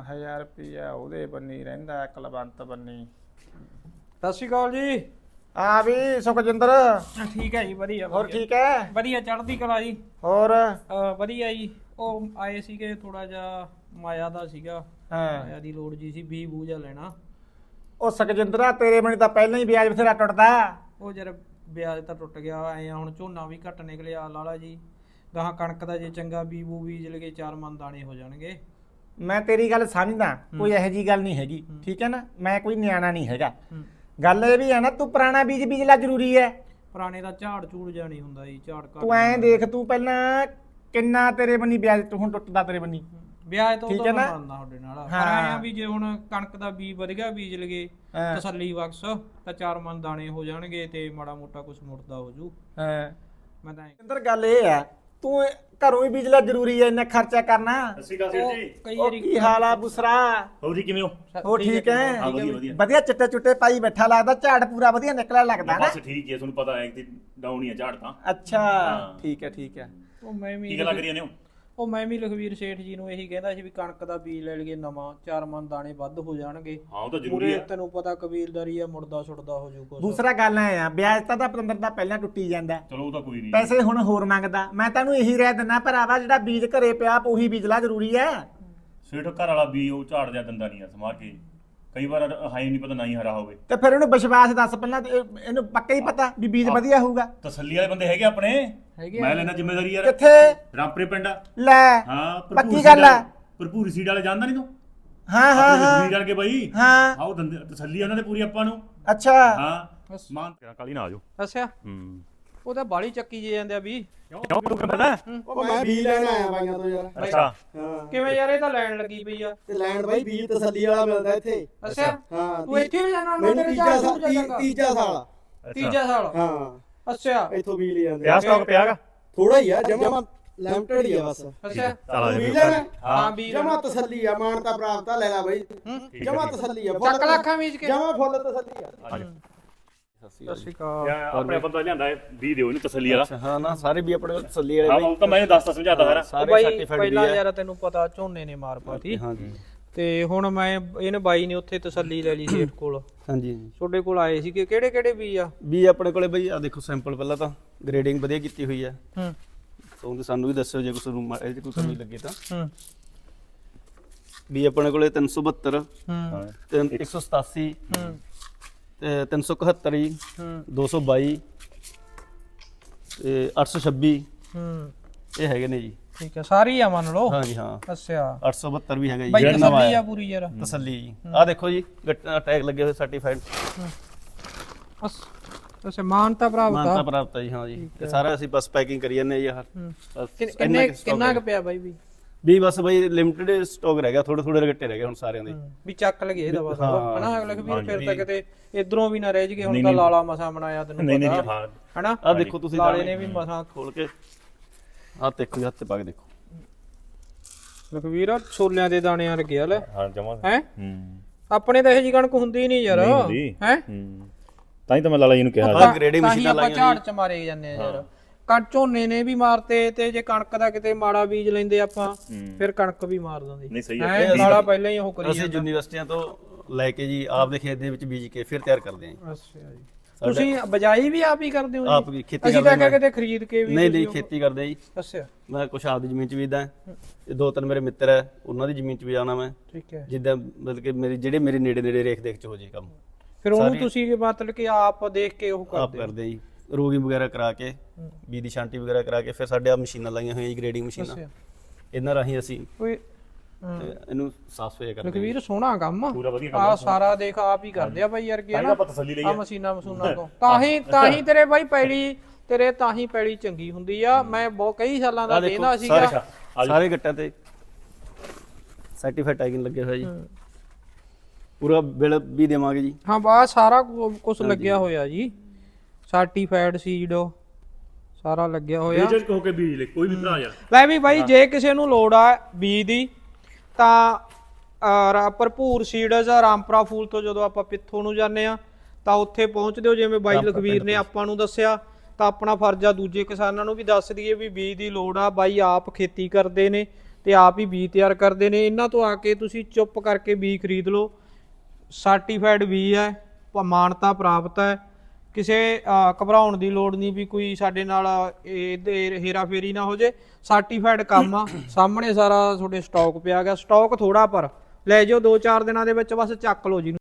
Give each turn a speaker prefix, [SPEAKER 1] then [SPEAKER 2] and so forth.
[SPEAKER 1] 1000 ਰੁਪਇਆ ਉਹਦੇ ਬੰਨੀ ਰਹਿੰਦਾ ਕੁਲਵੰਤ ਬੰਨੀ।
[SPEAKER 2] ਸਤਿ ਸ਼੍ਰੀ ਅਕਾਲ ਜੀ।
[SPEAKER 1] ਆ ਵੀ ਸੁਖਜਿੰਦਰ
[SPEAKER 2] ਠੀਕ ਹੈ ਜੀ, ਵਧੀਆ
[SPEAKER 1] ਹੋਰ ਠੀਕ ਹੈ?
[SPEAKER 2] ਵਧੀਆ ਚੜ੍ਹਦੀ ਕਲਾ ਜੀ।
[SPEAKER 1] ਹੋਰ
[SPEAKER 2] ਵਧੀਆ ਜੀ। ਉਹ ਆਏ ਸੀਗੇ ਥੋੜਾ ਜਿਹਾ ਮਾਇਆ ਦਾ ਸੀਗਾ, ਮਾਇਆ ਦੀ ਲੋੜ ਜੀ ਸੀ, ਬੀ ਬੂਜਾ ਲੈਣਾ।
[SPEAKER 1] ਉਹ ਸੁਖਜਿੰਦਰਾ ਤੇਰੇ ਬੰਨੀ ਤਾਂ ਪਹਿਲਾਂ ਹੀ ਵਿਆਜ ਬਥੇਰਾ ਟੁੱਟਦਾ।
[SPEAKER 2] ਉਹ ਜਰਾ ਵਿਆਜ ਤਾਂ ਟੁੱਟ ਗਿਆ ਐ, ਹੁਣ ਝੋਨਾ ਵੀ ਘੱਟ ਨਿਕਲਿਆ ਲਾਲਾ ਜੀ। ਗਾਹਾਂ ਕਣਕ ਦਾ ਜੇ ਚੰਗਾ ਬੀਬੂ ਬੀਜ ਲਗੇ 4 ਮਣ ਦਾਣੇ ਹੋ ਜਾਣਗੇ।
[SPEAKER 1] ਮੈਂ ਤੇਰੀ ਗੱਲ ਸਮਝਦਾ, ਕੋਈ ਇਹੋ ਜੀ ਗੱਲ ਨਹੀਂ ਹੈਗੀ, ਠੀਕ ਹੈ ਨਾ। ਮੈਂ ਕੋਈ ਨਿਆਣਾ ਨਹੀਂ ਹੈਗਾ। ਗੱਲ ਇਹ ਵੀ ਹੈ ਨਾ, ਤੂੰ ਪੁਰਾਣਾ ਬੀਜ ਬੀਜਲਾ ਜ਼ਰੂਰੀ ਹੈ।
[SPEAKER 2] ਪੁਰਾਣੇ ਦਾ ਝਾੜ ਝੂੜ ਜਾ ਨਹੀਂ ਹੁੰਦਾ ਜੀ, ਝਾੜ ਘੱਟ।
[SPEAKER 1] ਤੂੰ ਐਂ ਦੇਖ, ਤੂੰ ਪਹਿਲਾਂ ਕਿੰਨਾ ਤੇਰੇ ਬੰਨੀ ਵਿਆਜ ਤੂੰ ਹੁਣ ਟੁੱਟਦਾ ਤੇਰੇ ਬੰਨੀ
[SPEAKER 2] ਵਿਆਜ ਤੋਂ
[SPEAKER 1] ਠੀਕ ਹੈ ਨਾ?
[SPEAKER 2] ਮੰਨਦਾ ਤੁਹਾਡੇ ਨਾਲ, ਪਰ ਆਇਆ ਵੀ ਜੇ ਹੁਣ ਕਣਕ ਦਾ ਬੀਜ ਵਧੀਆ ਬੀਜ ਲਗੇ ਤਸੱਲੀ ਬਖਸ਼ ਤਾਂ 4 ਮਣ ਦਾਣੇ ਹੋ ਜਾਣਗੇ ਤੇ ਮਾੜਾ ਮੋਟਾ ਕੁਝ ਮੁੜਦਾ ਹੋ ਜੂ। ਮੈਂ ਤਾਂ
[SPEAKER 1] ਅੰਦਰ ਗੱਲ ਇਹ ਆ, ਤੂੰ ਘਰੋਂ ਹੀ ਬੀਜਲਾ ਜ਼ਰੂਰੀ ਹੈ, ਇੰਨਾ ਖਰਚਾ ਕਰਨਾ।
[SPEAKER 3] ਸਸੀ ਕਾ ਸਿਰ ਜੀ,
[SPEAKER 2] ਕਈ
[SPEAKER 1] ਉਹ
[SPEAKER 2] ਵਾਰੀ
[SPEAKER 1] ਕੀ ਹਾਲ ਆ ਬੁਸਰਾ?
[SPEAKER 3] ਹੋਰ ਜੀ ਕਿਵੇਂ ਹੋ?
[SPEAKER 1] ਉਹ ਠੀਕ ਹੈ?
[SPEAKER 3] ਹਾਂ ਵਧੀਆ ਵਧੀਆ।
[SPEAKER 1] ਵਧੀਆ ਚਿੱਟੇ ਚੁੱਟੇ ਪਾਈ ਬੈਠਾ ਲੱਗਦਾ, ਝਾੜ ਪੂਰਾ ਵਧੀਆ ਨਿਕਲਿਆ ਲੱਗਦਾ ਨਾ।
[SPEAKER 3] ਬਸ ਠੀਕ ਹੈ, ਤੁਹਾਨੂੰ ਪਤਾ ਹੈ ਕਿ ਡਾਊਨ ਹੀ ਆ ਝਾੜ ਤਾਂ।
[SPEAKER 1] ਅੱਛਾ ਠੀਕ ਹੈ ਠੀਕ ਹੈ।
[SPEAKER 2] ਉਹ ਮੈਂ ਵੀ
[SPEAKER 3] ਕੀ ਗੱਲਾਂ ਕਰੀ ਜਾਂਦੇ ਹੋ?
[SPEAKER 2] ਉਹ ਮੈਂ ਵੀ ਲਖਵੀਰ ਸੇਠ ਜੀ ਨੂੰ ਇਹੀ ਕਹਿੰਦਾ ਸੀ ਵੀ ਕਣਕ ਦਾ ਬੀਜ ਲੈ ਲਈਏ ਨਵਾਂ, 4 ਮਣ ਦਾਣੇ ਵੱਧ ਹੋ ਜਾਣਗੇ।
[SPEAKER 3] ਹਾਂ ਉਹ ਤਾਂ ਜ਼ਰੂਰੀ
[SPEAKER 2] ਪੂਰੇ
[SPEAKER 3] ਆ।
[SPEAKER 2] ਤੈਨੂੰ ਪਤਾ ਕਬੀਲਦਾਰੀ ਆ, ਮੁੜਦਾ ਛੁੱਟਦਾ ਹੋ ਜੂ ਕੁਛ।
[SPEAKER 1] ਦੂਸਰਾ ਗੱਲ ਐ ਆ, ਵਿਆਜ ਤਾਂ ਪਤੰਦਰ ਦਾ ਪਹਿਲਾਂ ਟੁੱਟੀ ਜਾਂਦਾ,
[SPEAKER 3] ਚਲੋ ਉਹ ਤਾਂ ਕੋਈ ਨਹੀਂ।
[SPEAKER 1] ਪੈਸੇ ਹੁਣ ਹੋਰ ਮੰਗਦਾ। ਮੈਂ ਤੈਨੂੰ ਇਹੀ ਰਹਿ ਦਿੰਦਾ ਭਰਾਵਾ, ਜਿਹੜਾ ਬੀਜ ਘਰੇ ਪਿਆ ਉਹੀ ਬੀਜਲਾ ਜ਼ਰੂਰੀ ਹੈ।
[SPEAKER 3] ਸੇਠ ਘਰ ਵਾਲਾ ਵੀ ਉਹ ਝਾੜ ਦਿਆ ਦੰਦਾ ਨਹੀਂ ਆ ਸਮਾਰ ਕੇ, ਕਈ ਵਾਰ ਹਾਈ ਨਹੀਂ ਪਤਾ ਨਹੀਂ ਹਰਾ ਹੋਵੇ।
[SPEAKER 1] ਤੇ ਫਿਰ ਉਹਨੂੰ ਵਿਸ਼ਵਾਸ ਦੱਸ ਪਹਿਲਾਂ, ਤੇ ਇਹਨੂੰ ਪੱਕਾ ਹੀ ਪਤਾ ਵੀ ਬੀਜ ਵਧੀਆ ਹੋਊਗਾ।
[SPEAKER 3] ਤਸੱਲੀ ਵਾਲੇ ਬੰਦੇ ਹੈਗੇ ਆਪਣੇ,
[SPEAKER 2] ਹੈਗੇ
[SPEAKER 3] ਮੈਂ ਲੈਣਾ ਜ਼ਿੰਮੇਵਾਰੀ ਯਾਰ।
[SPEAKER 1] ਕਿੱਥੇ?
[SPEAKER 3] ਰਾਮਪੁਰੇ ਪਿੰਡ ਆ।
[SPEAKER 1] ਲੈ
[SPEAKER 3] ਹਾਂ
[SPEAKER 1] ਪੱਕੀ ਗੱਲ ਆ।
[SPEAKER 3] ਭਰਪੂਰ ਸੀਡ ਵਾਲੇ ਜਾਣਦਾ ਨਹੀਂ ਤੂੰ?
[SPEAKER 1] ਹਾਂ ਹਾਂ ਹਾਂ
[SPEAKER 3] ਹਾਂ ਕਰਕੇ ਬਾਈ
[SPEAKER 1] ਹਾਂ।
[SPEAKER 3] ਆਓ ਦੰਦੇ ਤਸੱਲੀ ਉਹਨਾਂ ਦੇ ਪੂਰੀ ਆਪਾਂ ਨੂੰ।
[SPEAKER 1] ਅੱਛਾ
[SPEAKER 3] ਹਾਂ ਮਾਨ ਕਾਲੀ ਨਾ ਆਜੋ।
[SPEAKER 2] ਅੱਛਾ
[SPEAKER 3] ਹੂੰ
[SPEAKER 2] ਉਹ ਤਾਂ ਬਾਲੀ ਚੱਕੀ ਜੇ ਜਾਂਦੇ ਆ ਵੀ।
[SPEAKER 3] ਕਿਉਂ ਤੂੰ ਪਤਾ?
[SPEAKER 4] ਉਹ ਮੈਂ ਬੀਜ ਲੈਣ ਆਇਆ ਬਾਈਆਂ ਤੋਂ ਯਾਰ।
[SPEAKER 3] ਅੱਛਾ
[SPEAKER 4] ਹਾਂ
[SPEAKER 2] ਕਿਵੇਂ ਯਾਰ, ਇਹ ਤਾਂ ਲੈਣ ਲੱਗੀ ਪਈ ਆ।
[SPEAKER 4] ਤੇ ਲੈਣ ਬਾਈ ਬੀਜ ਤਸੱਲੀ ਵਾਲਾ ਮਿਲਦਾ ਇੱਥੇ।
[SPEAKER 2] ਅੱਛਾ
[SPEAKER 4] ਹਾਂ
[SPEAKER 2] ਤੂੰ ਇੱਥੇ ਵੀ ਜਾਣਾ?
[SPEAKER 4] ਮੈਨੂੰ
[SPEAKER 2] ਤੇਰੇ
[SPEAKER 4] ਤੀਜਾ
[SPEAKER 2] ਝਾੜ
[SPEAKER 4] ਸਾਲ
[SPEAKER 2] ਝੂੜ ਜਾਏਗਾ।
[SPEAKER 4] ਤੀਜਾ ਸਾਲ
[SPEAKER 2] ਤੀਜਾ ਸਾਲ?
[SPEAKER 4] ਹਾਂ
[SPEAKER 2] ਅੱਛਾ
[SPEAKER 4] ਇੱਥੋਂ ਬੀਜ ਲੈ ਜਾਂਦੇ
[SPEAKER 3] ਪਿਆ ਸਟਾਕ ਪਿਆਗਾ।
[SPEAKER 4] ਥੋੜਾ ਹੀ ਆ, ਜਮਾ ਲਿਮਟਿਡ ਹੀ ਆ ਬਸ।
[SPEAKER 2] ਅੱਛਾ
[SPEAKER 3] ਚਲ
[SPEAKER 4] ਤੂੰ ਬੀਜ ਲੈਣਾ?
[SPEAKER 2] ਹਾਂ ਵੀ
[SPEAKER 4] ਜਮਾ ਤਸੱਲੀ ਆ, ਮਾਨਤਾ ਪ੍ਰਾਪਤ ਆ, ਲੈ ਲੈ ਬਾਈ। ਜਮਾ ਤਸੱਲੀ ਆ,
[SPEAKER 2] ਚੱਕ ਲੱਖਾਂ ਬੀਜ ਕੇ
[SPEAKER 4] ਜਮਾ ਫੁੱਲ ਤਸੱਲੀ ਆ।
[SPEAKER 2] ਸਤਿ ਸ਼੍ਰੀ ਅਕਾਲ।
[SPEAKER 3] ਆਪਣੇ ਬੰਦਾ ਲਿਆਂਦਾ ਹੈ ਵੀ ਦਿਓ ਇਹਨੂੰ ਤਸੱਲੀ ਵਾਲਾ।
[SPEAKER 1] ਹਾਂ ਨਾ, ਸਾਰੇ ਵੀ ਆਪਣੇ ਤਸੱਲੀ
[SPEAKER 3] ਹਾਂ ਉਹ ਤਾਂ ਮੈਨੂੰ ਦੱਸਤਾ ਸਮਝਾਤਾ ਸਾਰਾ।
[SPEAKER 2] ਬਾਈ ਪਹਿਲਾਂ ਯਾਰ ਤੈਨੂੰ ਪਤਾ ਝੋਨੇ ਨੇ ਮਾਰ ਪਾਤੀ।
[SPEAKER 4] ਹਾਂਜੀ
[SPEAKER 2] ਤੇ ਹੁਣ ਮੈਂ ਇਹਨੇ ਬਾਈ ਨੇ ਉੱਥੇ ਤਸੱਲੀ ਲੈ ਲਈ ਸੇਠ ਕੋਲ।
[SPEAKER 4] ਹਾਂਜੀ
[SPEAKER 2] ਤੁਹਾਡੇ ਕੋਲ ਆਏ ਸੀਗੇ, ਕਿਹੜੇ ਕਿਹੜੇ ਬੀਜ ਆ?
[SPEAKER 4] ਵੀ ਆਪਣੇ ਕੋਲੇ ਬਈ ਆ ਦੇਖੋ ਸੈਂਪਲ, ਪਹਿਲਾਂ ਤਾਂ ਗ੍ਰੇਡਿੰਗ ਵਧੀਆ ਕੀਤੀ ਹੋਈ ਆ। ਤੋਂ ਸਾਨੂੰ ਵੀ ਦੱਸਿਓ ਜੇ ਕੁਛ ਨੂੰ ਇਹ ਕੋਈ ਕਮੀ ਲੱਗੇ ਤਾਂ। ਵੀ ਆਪਣੇ ਕੋਲੇ 372 ਤੇ 187 ਤੇ 371 ਜੀ 222 ਤੇ 826 ਇਹ ਹੈਗੇ ਨੇ ਜੀ।
[SPEAKER 2] ਠੀਕ ਹੈ, ਸਾਰੀ ਆ ਮੰਨ ਲਓ।
[SPEAKER 4] ਹਾਂਜੀ ਹਾਂ
[SPEAKER 2] ਅੱਛਾ
[SPEAKER 4] 872 ਵੀ ਹੈਗਾ ਜੀ।
[SPEAKER 2] ਬਾਈ
[SPEAKER 4] ਜਿਹੜਾ ਨਵਾਂ
[SPEAKER 2] ਤਸੱਲੀ ਆ
[SPEAKER 4] ਆਇਆ
[SPEAKER 2] ਪੂਰੀ ਯਾਰ।
[SPEAKER 4] ਤਸੱਲੀ ਜੀ। ਆ ਦੇਖੋ ਜੀ ਟੈਗ ਲੱਗੇ ਹੋਏ ਸਰਟੀਫਾਈਡ
[SPEAKER 2] ਅੱਛਾ ਮਾਨਤਾ ਪ੍ਰਾਪਤ
[SPEAKER 4] ਮਾਨਤਾ
[SPEAKER 2] ਆ।
[SPEAKER 4] ਪ੍ਰਾਪਤ ਹੈ ਜੀ। ਹਾਂ ਜੀ ਤੇ ਸਾਰਾ ਅਸੀਂ ਬਸ ਪੈਕਿੰਗ ਕਰੀ ਜਾਂਦੇ ਜੀ ਯਾਰ।
[SPEAKER 2] ਕਿੰਨਾ ਕੁ ਪਿਆ ਬਾਈ
[SPEAKER 4] ਵੀ ਬਸ ਬਈ ਲਿਮਟਿਡ ਸਟਾਕ ਰਹਿ ਗਿਆ, ਥੋੜੇ ਥੋੜੇ ਗੱਟੇ ਰਹਿ ਗਏ ਹੁਣ ਸਾਰਿਆਂ ਦੇ।
[SPEAKER 2] ਵੀ ਚੱਕ ਲਗੇ ਇਹਦਾ ਬਸ ਹਨਾ। ਅਗਲੇ ਵੀਰ ਫਿਰ ਤਾਂ ਕਿਤੇ ਇਧਰੋਂ ਵੀ ਨਾ ਰਹਿ ਜਗੇ। ਹੁਣ ਤਾਂ ਲਾਲਾ ਮਸਾ ਬਣਾਇਆ ਤੈਨੂੰ
[SPEAKER 3] ਨਹੀਂ ਨਹੀਂ
[SPEAKER 2] ਪਤਾ
[SPEAKER 3] ਹਾਂ
[SPEAKER 2] ਹਨਾ।
[SPEAKER 4] ਆ ਦੇਖੋ ਤੁਸੀਂ
[SPEAKER 2] ਲਾਲੇ ਨੇ ਵੀ ਮਸਾ
[SPEAKER 4] ਖੋਲ ਕੇ ਆ ਦੇਖੋ ਜੀ, ਹੱਥ ਤੇ ਪਾ ਕੇ ਦੇਖੋ।
[SPEAKER 2] ਲਖਵੀਰ ਛੋਲਿਆਂ ਦੇ ਦਾਣਿਆਂ ਲੱਗਿਆ ਲੈ
[SPEAKER 3] ਹਾਂ ਜਮਾ
[SPEAKER 2] ਹੈ।
[SPEAKER 3] ਹੂੰ
[SPEAKER 2] ਆਪਣੇ ਤਾਂ ਇਹ ਜੀ ਕਣਕ ਹੁੰਦੀ ਨਹੀਂ ਯਾਰ ਹੈ।
[SPEAKER 3] ਹੂੰ ਤਾਂ ਹੀ ਤਾਂ ਮੈਂ ਲਾਲਾ ਜੀ ਨੂੰ ਕਿਹਾ
[SPEAKER 4] ਆ ਗ੍ਰੇਡਿੰਗ
[SPEAKER 2] ਤਾਂ ਹੀ
[SPEAKER 4] ਮਸ਼ੀਨਾਂ
[SPEAKER 2] ਆਪਾਂ
[SPEAKER 4] ਲਾਈਆਂ
[SPEAKER 2] ਝਾੜ ਚ ਮਾਰੇ ਜਾਂਦੇ ਆ ਯਾਰ। ਕਣ ਝੋਨੇ ਨੇ ਵੀ ਮਾਰਤੇ ਤੇ ਜੇ ਕਣਕ ਦਾ ਕਿਤੇ ਮਾੜਾ ਬੀਜ ਲੈਂਦੇ ਆਪਾਂ ਫਿਰ ਕਣਕ ਵੀ ਮਾਰ ਦਿੰਦੀ।
[SPEAKER 3] ਨਹੀਂ ਸਹੀ
[SPEAKER 2] ਹੈ ਨਾਲਾ ਪਹਿਲਾਂ ਹੀ ਉਹ ਕਰੀ
[SPEAKER 4] ਅਸੀਂ ਯੂਨੀਵਰਸਿਟੀਆਂ ਤੋਂ ਲੈ ਕੇ ਜੀ ਆਪਦੇ ਖੇਤ ਦੇ ਵਿੱਚ ਬੀਜ ਕੇ ਫਿਰ ਤਿਆਰ ਕਰਦੇ ਹਾਂ ਜੀ।
[SPEAKER 2] ਅੱਛਾ ਜੀ। ਤੁਸੀਂ ਬਜਾਈ ਵੀ ਆਪ ਹੀ ਕਰਦੇ ਹੋ ਜੀ?
[SPEAKER 4] ਆਪ ਵੀ ਖੇਤੀ
[SPEAKER 2] ਅਸੀਂ
[SPEAKER 4] ਕਰਦੇ
[SPEAKER 2] ਤਾਂ ਕਿਤੇ ਖਰੀਦ ਕੇ ਵੀ।
[SPEAKER 4] ਨਹੀਂ ਨਹੀਂ ਖੇਤੀ ਕਰਦੇ ਹਾਂ ਜੀ।
[SPEAKER 2] ਅੱਛਾ
[SPEAKER 4] ਮੈਂ ਕੁਛ ਆਪਦੀ ਜ਼ਮੀਨ 'ਚ ਬੀਜਦਾ ਤੇ 2-3 ਮੇਰੇ ਮਿੱਤਰ ਹੈ, ਉਹਨਾਂ ਦੀ ਜ਼ਮੀਨ 'ਚ ਵੀ ਜਾਣਾ ਮੈਂ।
[SPEAKER 2] ਠੀਕ ਹੈ।
[SPEAKER 4] ਜਿੱਦਾਂ ਮਤਲਬ ਕਿ ਜਿਹੜੇ ਮੇਰੇ ਨੇੜੇ ਨੇੜੇ ਰੇਖ ਦੇਖ 'ਚ ਹੋ ਜੇ ਕੰਮ,
[SPEAKER 2] ਫਿਰ ਉਹਨੂੰ ਤੁਸੀਂ ਮਤਲਬ ਕਿ ਆਪ ਦੇਖ ਕੇ ਉਹ
[SPEAKER 4] ਆਪ
[SPEAKER 2] ਕਰਦੇ
[SPEAKER 4] ਕਰਦੇ ਹਾਂ ਜੀ। ਰੋਗੀ ਵਗੈਰਾ ਕਰਾ ਕੇ, ਬੀਜ ਦੀ ਛਾਂਟੀ ਵਗੈਰਾ ਕਰਾ ਕੇ, ਫਿਰ ਸਾਡੇ ਆ ਮਸ਼ੀਨਾਂ ਲਾਈਆਂ ਹੋਈਆਂ ਜੀ, ਗ੍ਰੇਡਿੰਗ ਮਸ਼ੀਨਾਂ। ਇਹਨਾਂ ਰਾਹੀਂ ਅਸੀਂ
[SPEAKER 2] ਕੋਈ
[SPEAKER 4] ਇਹਨੂੰ ਸਾਫ਼ ਸੁਥਰਾ ਕਰਦੇ ਹਾਂ।
[SPEAKER 2] ਲਖਵੀਰ ਸੋਹਣਾ ਕੰਮ
[SPEAKER 3] ਪੂਰਾ ਵਧੀਆ ਕੰਮ
[SPEAKER 2] ਆ ਸਾਰਾ ਦੇਖ ਆਪ ਹੀ ਕਰਦੇ ਆ ਬਾਈ ਯਾਰ ਕੀ ਹੈ ਨਾ।
[SPEAKER 3] ਆਪਾਂ ਤਸੱਲੀ ਲਈ
[SPEAKER 2] ਆ ਮਸ਼ੀਨਾਂ ਮਸੂਨਾਂ ਤੋਂ ਤਾਂ ਹੀ ਤੇਰੇ ਬਾਈ ਪੈਲੀ ਤੇਰੇ ਤਾਂ ਹੀ ਪੈਲੀ ਚੰਗੀ ਹੁੰਦੀ ਆ। ਮੈਂ ਬਹੁਤ ਕਈ ਸਾਲਾਂ ਦਾ ਦੇਣਾ ਸੀਗਾ।
[SPEAKER 4] ਸਾਰੇ ਗੱਟਾਂ ਤੇ ਸਰਟੀਫਾਈਡ ਟੈਗਿੰਗ ਲੱਗੇ ਹੋਇਆ ਜੀ। ਪੂਰਾ ਬਿੱਲ ਵੀ ਦੇਵਾਂਗੇ ਜੀ।
[SPEAKER 2] ਹਾਂ ਬਾ ਸਾਰਾ ਕੁਝ ਲੱਗਿਆ ਹੋਇਆ ਜੀ। ਸਰਟੀਫਾਈਡ ਸੀਡ ਸਾਰਾ ਲੱਗਿਆ ਹੋਇਆ।
[SPEAKER 3] ਬੇਚਕ ਹੋ ਕੇ ਬੀਜ ਲੈ ਕੋਈ ਵੀ ਭਰਾ ਯਾਰ।
[SPEAKER 2] ਲੈ ਵੀ ਬਾਈ ਜੇ ਕਿਸੇ ਨੂੰ ਲੋੜ ਆ ਬੀਜ ਦੀ ਤਾਂ ਭਰਪੂਰ ਸੀਡਜ਼ ਰਾਮਪੁਰਾ ਫੂਲ ਤੋਂ ਜਦੋਂ ਆਪਾਂ ਪਿੱਥੋਂ ਨੂੰ ਜਾਂਦੇ ਆ ਤਾਂ ਉੱਥੇ ਪਹੁੰਚਦੇ ਹੋ। ਜਿਵੇਂ ਬਾਈ ਲਖਵੀਰ ਨੇ ਆਪਾਂ ਨੂੰ ਦੱਸਿਆ ਤਾਂ ਆਪਣਾ ਫਰਜ਼ ਆ ਦੂਜੇ ਕਿਸਾਨਾਂ ਨੂੰ ਵੀ ਦੱਸ ਦਈਏ ਵੀ ਬੀਜ ਦੀ ਲੋੜ ਆ। ਬਾਈ ਆਪ ਖੇਤੀ ਕਰਦੇ ਨੇ ਤੇ ਆਪ ਹੀ ਬੀਜ ਤਿਆਰ ਕਰਦੇ ਨੇ। ਇਹਨਾਂ ਤੋਂ ਆ ਕੇ ਤੁਸੀਂ ਚੁੱਪ ਕਰਕੇ ਬੀਜ ਖਰੀਦ ਲਓ, ਸਰਟੀਫਾਈਡ ਬੀਜ ਹੈ, ਮਾਨਤਾ ਪ੍ਰਾਪਤ ਹੈ। ਕਿਸੇ ਘਬਰਾਉਣ ਦੀ ਲੋੜ ਨਹੀਂ ਵੀ ਕੋਈ ਸਾਡੇ ਨਾਲ ਇਹਦੇ ਹੇਰਾ ਫੇਰੀ ਨਾ ਹੋ ਜੇ, ਸਰਟੀਫਾਈਡ ਕੰਮ ਆ। ਸਾਹਮਣੇ ਸਾਰਾ ਤੁਹਾਡੇ ਸਟਾਕ ਪਿਆ ਗਿਆ, ਸਟਾਕ ਥੋੜਾ ਪਰ ਲੈ ਜਾਓ 2-4 ਦਿਨਾਂ ਦੇ ਵਿੱਚ ਬਸ ਚੱਕ ਲਓ ਜੀ।